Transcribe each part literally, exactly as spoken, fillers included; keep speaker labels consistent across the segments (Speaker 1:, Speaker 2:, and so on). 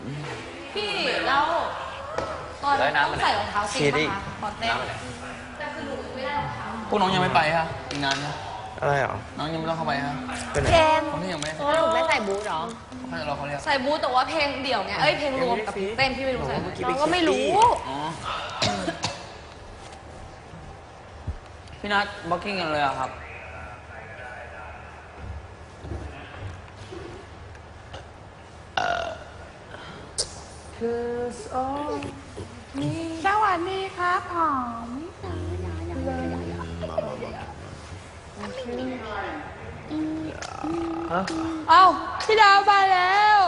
Speaker 1: พี่แล้วตอนต้องใส่รองเท้าจริงป่ะคะตอนเต้นแต่คือหนูไม่ได้รองเท้า
Speaker 2: พวกน้องยังไม่ไปฮะอีกนานนะ
Speaker 3: อะไรหรอ
Speaker 2: น้องยังไม่ต้องเข้าไปฮะ
Speaker 4: เพลง
Speaker 2: คนที่ยังไม่
Speaker 4: เพราะหนูไม่ใส่บูทหรอ
Speaker 2: เขาจะรอเขาเรียก
Speaker 1: ใส่บูทแต่ว่าเพลงเดี่ยวไงเอ้ยเพลงรวมกับเต้นพี่ไม่รู้ใส่
Speaker 4: น้องก็ไม่รู้
Speaker 2: อ๋อพี่นัทบ็อกกิ้งกันเลยอะครับ
Speaker 4: สวัสดีครับหอมเอ้าพี่ดาวมาแล้ว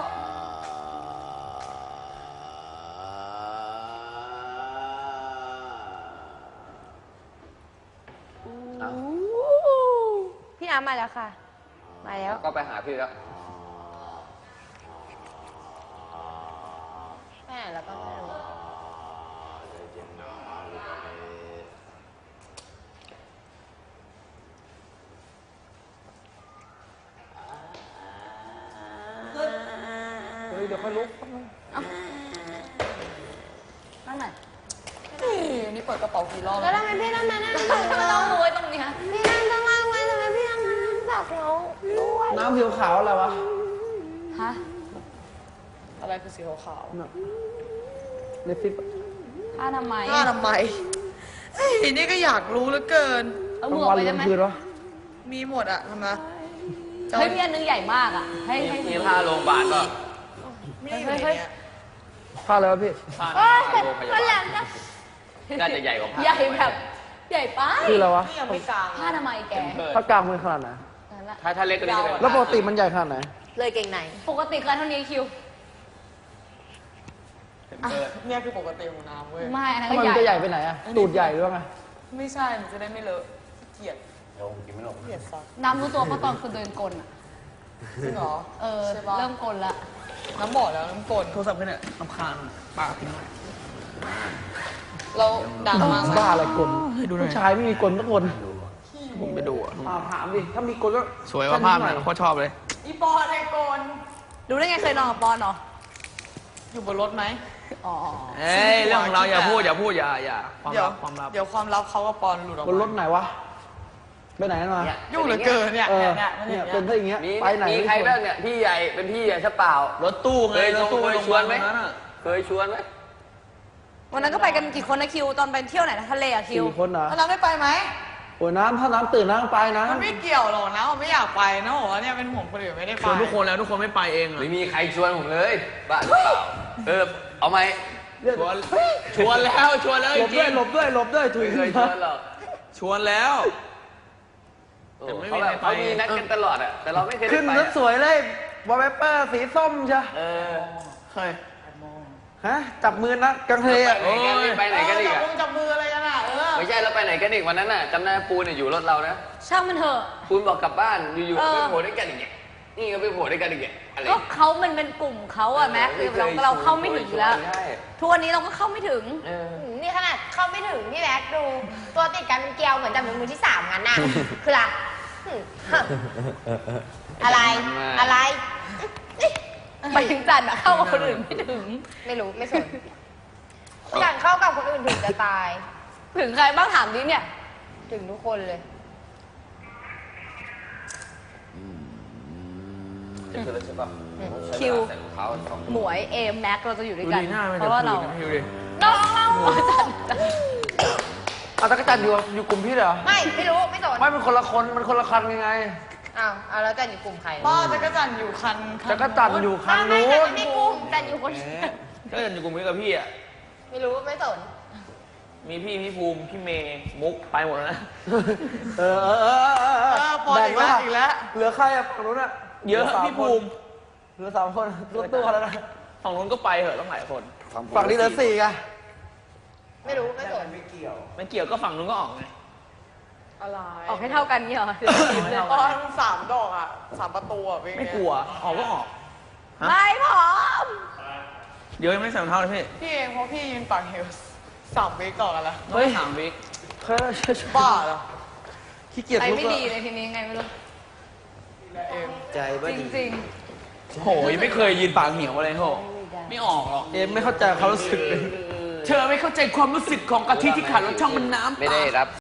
Speaker 4: พี่น้ำมาแล้วค่ะมาแล้ว
Speaker 2: ก็ไปหาพี่แล้ว
Speaker 4: แม่แล้วก็ไม่รู้
Speaker 3: เฮ้ยเดี๋ยวค่อยลุก
Speaker 1: นั่นไหน
Speaker 2: นี่เปิดกระเป๋ากี่รอบ
Speaker 4: แล้วทำไมพี่ต้องมานั่งตักเรา
Speaker 1: ต้องรู้ไว้ตรงนี้ฮะ
Speaker 4: พี่นั่งข้างล่างไว้ทำไมพี่ต้องมานั่งตักเราด้วย
Speaker 3: น้ำผิวขาวอะไรวะ
Speaker 1: ฮะ
Speaker 2: อะไรคือสีขาว
Speaker 3: เลฟิป
Speaker 1: ผ้าทำไม
Speaker 2: ผ้าทำไมเฮ้ยนี่ก็อยากรู้เหลือเกิน
Speaker 1: เอา
Speaker 3: ก
Speaker 1: มื
Speaker 3: ลา
Speaker 1: อง อ
Speaker 3: วั
Speaker 1: อน กไป
Speaker 3: ก
Speaker 1: ได้
Speaker 3: ลาง
Speaker 1: ไหม
Speaker 3: คืนวะ
Speaker 2: มีหมดอะทำไม
Speaker 1: เฮ้ยมีอันนึงใหญ่มากอ่ะให้ให้
Speaker 2: มีผ้าโรงพยาบาลก็ไม่เฮ้ย
Speaker 3: ผ้าอะไรวะพี่
Speaker 2: ผ้า
Speaker 4: โอ๊ย
Speaker 2: โรงพยา
Speaker 4: วันห
Speaker 2: บา
Speaker 4: ลั
Speaker 2: ล
Speaker 4: งจะ
Speaker 2: น่าจะใหญ่กว่าผ้า
Speaker 1: ใหญ่แบบใหญ่ไป
Speaker 3: คืออะไรวะ
Speaker 1: ผ้าทำไมแก
Speaker 3: ผ้ากลางมันขนาดไหน
Speaker 1: นั่นแหละ
Speaker 2: ถ้าถ้าเล็กก็นี่จะเป็น
Speaker 3: แล้วปกติมันใหญ่ขนาดไหน
Speaker 4: เลยเก่งไหน
Speaker 1: ปกติคือเท่านี้คิว
Speaker 5: เนี่ยคือปกติของน้ำเว้ย
Speaker 1: ไม่อันนั้น
Speaker 3: ทำไม
Speaker 1: ก็
Speaker 3: มันจะ
Speaker 1: ให
Speaker 3: ให
Speaker 1: ญ่
Speaker 3: ญ่ไปไหนอะตูดใหญ่หรือว่าไง
Speaker 5: ไม่ใช่หนูจะได้ไม่เลอะเกลียด
Speaker 2: เดี๋ยวผมกินไม่ลง
Speaker 5: เกลียดซัก
Speaker 1: น้ำรู้ตัวเพราะตอนคือเดินกลอ่ะ
Speaker 5: จริงเหรอ
Speaker 1: เออ
Speaker 5: ใช่ปะ
Speaker 1: เริ่มกลละ
Speaker 5: น้ำบอกแล้วน้ำกลน
Speaker 2: โทรศัพท์ขึ้นเนี่ยรำคาญปากทิ้งไว้
Speaker 5: เราดังมาก
Speaker 3: บ้าอะไรกลผู้ชายไม่มีกลทุกคน
Speaker 2: ผมไปดูอะ
Speaker 3: ถามถามดิ ถ้ามีกลก็
Speaker 2: สวยว่าภาพเนี่ยโคตรชอบเลย
Speaker 5: อีปอนไอ้กล
Speaker 1: รู้ได้ไงเคยนอนกับปอนเหรอ
Speaker 5: อยู่บนรถไหม
Speaker 1: อ๋อ
Speaker 2: เอ้ยเรื่องของเราอย่าพูดอย่าพูดอย่าอย่าความ
Speaker 5: เดี๋ยว
Speaker 2: ลับความลับ
Speaker 5: เดี๋ยวความลับเขากับปอนหลุดออก
Speaker 3: บนร
Speaker 5: มา
Speaker 3: ถไหนวะ ไปไหนกันมา
Speaker 5: ยุ่งเหลือเกินเนี่ย
Speaker 3: เออ
Speaker 5: เนี่ย
Speaker 3: เนี่ย
Speaker 5: เนี่ย
Speaker 3: เป็นถ้าอย่างเงี้ย
Speaker 6: มี
Speaker 3: ไปไหน
Speaker 6: มีใครบ้างเนี่ยพี่ใหญ่เป็นพี่ใหญ่ใช่เปล่าร
Speaker 2: ถตู้ไง
Speaker 6: เคย
Speaker 2: รถตู้
Speaker 6: เคย
Speaker 2: โรงพ
Speaker 6: ช
Speaker 2: ยา
Speaker 6: ว
Speaker 2: บาน ล
Speaker 6: ไหม
Speaker 2: นั้นอะ
Speaker 6: เคยชวนไหม
Speaker 1: วันนั้นก็ไปกันกี่คนนะคิวตอนไปเที่ยวไหนนะทะเลอะคิว
Speaker 3: สี่คนเหรอ
Speaker 5: แล้วน้ำได้ไปไหม
Speaker 3: โอ้ยน้ำถ้าน้ำตื่นน้ำไปนะ
Speaker 5: มันไม่เกี่ยวหรอกนะผมไม่อยากไปนะบอกว่าเนี่ยเป็นห่วงคนอื่นไม่ได้ไป
Speaker 2: ชวนทุกคนแล้วทุกคนไม่ไปเองอะ
Speaker 6: ไม่มีใครชวนผมเลยบ้าหรือเปล่าเออเอาไหม
Speaker 2: ชวนชวนแล้วชวนแล้ว
Speaker 3: หล
Speaker 2: จ
Speaker 3: บ
Speaker 2: ริ
Speaker 3: ด้วย
Speaker 2: ง
Speaker 3: หลบด้วยหลบด้วยถุ
Speaker 6: ไม่
Speaker 3: ย
Speaker 6: เคยชวนหรอก
Speaker 2: ชวนแล้ว
Speaker 6: โอ้
Speaker 2: แต่ไม่มี
Speaker 6: เขาแบบ
Speaker 2: ใครไป
Speaker 6: เขามีนัดกันตลอดอะแต่เราไม่เคยได้
Speaker 3: ขึ้น
Speaker 6: ไป
Speaker 3: รถสวยเลยวอลเปเปอร์สีส้มใช่
Speaker 6: เออ
Speaker 2: เคย
Speaker 3: ฮะ จับมือนะกลางทะเลอะ
Speaker 6: ไปไหนกันนี่ไปไหนกันอีก
Speaker 5: จับ
Speaker 6: อะ
Speaker 5: มือจับมืออะไรกันอ่ะเออ
Speaker 6: ไม่ใช่เราไปไหนกันอีกวันนั้นน่ะจำได้ปูนเนี่ยอยู่รถเรานะ
Speaker 1: ช่างมันเถอะ
Speaker 6: ปูนบอกกลับบ้านอยู่ๆ
Speaker 1: เออ
Speaker 6: ไปโผล่ด้วยกันอีกเนี่ยนี่ก็ไปโผล่ด้วยกันอีกเนี่ยอะไร
Speaker 1: ก็เขามันเป็นกลุ่มเขาอะแม็กคือเราเราเข้าไม่ถึงแล้ว
Speaker 6: ใช่
Speaker 1: ทุกวันนี้เราก็เข้าไม่ถึง
Speaker 6: เออ
Speaker 4: นี่ขนาดเข้าไม่ถึงพี่แม็กดู ตัวติดกันเป็นเกลียวเหมือนจับมือมือที่สามงั้นน่ะ คืออะไรหึอะไร อะไร
Speaker 1: ไปถึงจันทร์อะเข้ากับคนอื่นไม่ถึง
Speaker 4: ไม่รู้ไม่สนอย่างเข้ากับคนอื่นถึงจะตาย
Speaker 1: ถึงใครบ้างถามดิเนี่ย
Speaker 4: ถึงทุกคนเลย
Speaker 6: คือเราจะแบบ
Speaker 1: คิว
Speaker 6: ใส่รองเท้าสอง
Speaker 1: หมวยเอมแม็กเราจะอยู่ด้
Speaker 2: ดู
Speaker 1: วยกัน
Speaker 2: ดีหน้ามัน
Speaker 1: เพ
Speaker 2: จะ
Speaker 1: ราะว่า
Speaker 2: พู
Speaker 1: เรา
Speaker 2: ดนะพี่ดูดิ
Speaker 1: น้องเราจัน
Speaker 3: เอาตะกจันอยู่อยู่กลุ่มพี่เหรอ
Speaker 4: ไม่ไม่รู้ไม่สน
Speaker 3: ไม่เป็นคนละคนมันคนละคันยังไง
Speaker 4: อ้าวเอาแล้วจันอยู่กลุ่มใคร
Speaker 5: ป้าจักรจันทร์อยู่คันคัน
Speaker 3: ตะกจันอยู่คัน
Speaker 4: ไม่
Speaker 3: นู้
Speaker 4: จัน
Speaker 3: น
Speaker 4: ไม่กลุ่มจันอยู่คนเดียว
Speaker 2: ก็จะอยู่กลุ่มนี้กับพี่อ่ะ
Speaker 4: ไม่รู้ไม่สน
Speaker 2: มีพี่พี่ภูมิพี่เมย์มุกไปหมดแล้วนะ
Speaker 3: เออเออเออเออ
Speaker 5: เออปอนอีกแล้ว
Speaker 3: บ่ง
Speaker 5: อีกแล้ว
Speaker 3: เหลือใครอะฝั่งนู้นอะ
Speaker 2: เยอะ
Speaker 3: หลืสาม
Speaker 2: พี่ภูมิ
Speaker 3: เหลือสามคนรถตู้คันนั้นนะ
Speaker 2: ฝั่งนู้นก็ไปเหอะต้องหลายคน
Speaker 3: ฝั่งนี้เหลือสี่ไง
Speaker 4: ไม่รู้ไม่สน
Speaker 2: ไม่เกี่ยวก็ฝั่งนู้นก็ออกไง
Speaker 5: อะไร
Speaker 1: ออกให้เท่ากันนี่เหรอ
Speaker 5: ปอนสามดอกอ่ะสามประตูอ่ะเป็นไง
Speaker 2: ไม่กลัวออกก็ออก
Speaker 1: ไม่พร้อม
Speaker 2: เดี๋ยวยังไม่ได้ใส่รองเท้าเลยพี่
Speaker 5: พี่เองเพราะพี่ยืนปากเฮลส์สามวิก่อนกันละ
Speaker 2: เฮ้ยสามวิ
Speaker 3: เคย
Speaker 5: บ้าเหรอ
Speaker 3: ขี้เกียจ
Speaker 1: ใจ
Speaker 3: ลุก
Speaker 1: ไม่
Speaker 3: อะ
Speaker 1: ดีเลยทีนี้ไงไม่รู้
Speaker 5: เอง
Speaker 3: ใจไม่
Speaker 1: จ
Speaker 3: ดี
Speaker 1: ริง
Speaker 2: โหยังไม่เคยยืนปากเหี่ยวอะไรโห
Speaker 1: ๆไม่ได้
Speaker 5: ไม่ออกหรอก
Speaker 3: เอ็มไม่เข้าใจเขามรู้สึกเลย
Speaker 2: เธอไม่เข้าใจความรู้สึกของกะทิที่ขาดรสช่องมันน้ำ
Speaker 6: ไม่ได้รับ